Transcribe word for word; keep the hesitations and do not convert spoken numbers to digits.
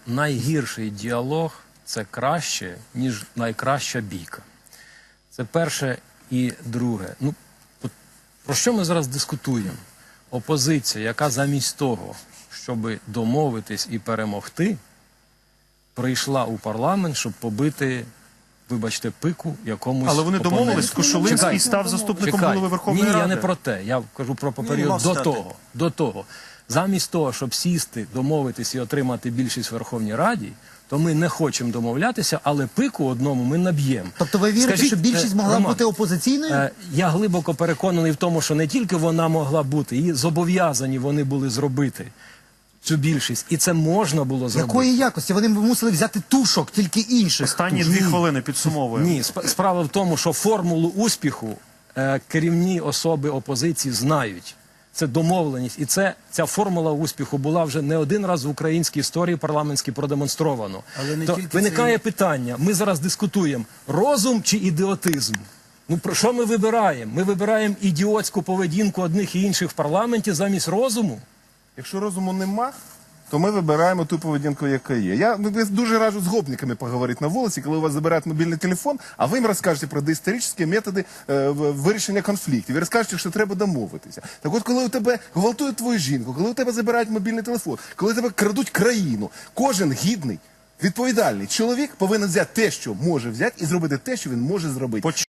найгірший діалог – це краще, ніж найкраща бійка. Це перше. І друге. Ну, про що ми зараз дискутуємо? Опозиція, яка замість того, щоб домовитись і перемогти, прийшла у парламент, щоб побити, вибачте, пику якомусь Але вони опоненту. домовились, Кошулинський став заступником Чекай. голови Верховної Ні, Ради. я не про те. Я кажу про період до того. До того. Замість того, щоб сісти, домовитись і отримати більшість в Верховній Раді, то ми не хочемо домовлятися, але пику одному ми наб'ємо. Тобто ви вірите, Скажіть, що більшість е, могла Роман, бути опозиційною? Е, я глибоко переконаний в тому, що не тільки вона могла бути, і зобов'язані вони були зробити цю більшість. І це можна було зробити. Якої якості? Вони мусили взяти тушок, тільки інших. Останні дві хвилини підсумовуємо. Ні, сп- справа в тому, що формулу успіху е, керівні особи опозиції знають. Це домовленість. І це, ця формула успіху була вже не один раз в українській історії парламентській продемонстровано. Але не То тільки виникає це... питання, ми зараз дискутуємо, розум чи ідіотизм? Ну, про що ми вибираємо? Ми вибираємо ідіотську поведінку одних і інших в парламенті замість розуму? Якщо розуму нема, то ми вибираємо ту поведінку, яка є. Я ну, дуже раджу з гопниками поговорити на вулиці, коли у вас забирають мобільний телефон, а ви їм розкажете про доісторичні методи е, вирішення конфліктів. Ви розкажете, що треба домовитися. Так от, коли у тебе гвалтують твою жінку, коли у тебе забирають мобільний телефон, коли у тебе крадуть країну, кожен гідний, відповідальний чоловік повинен взяти те, що може взяти, і зробити те, що він може зробити.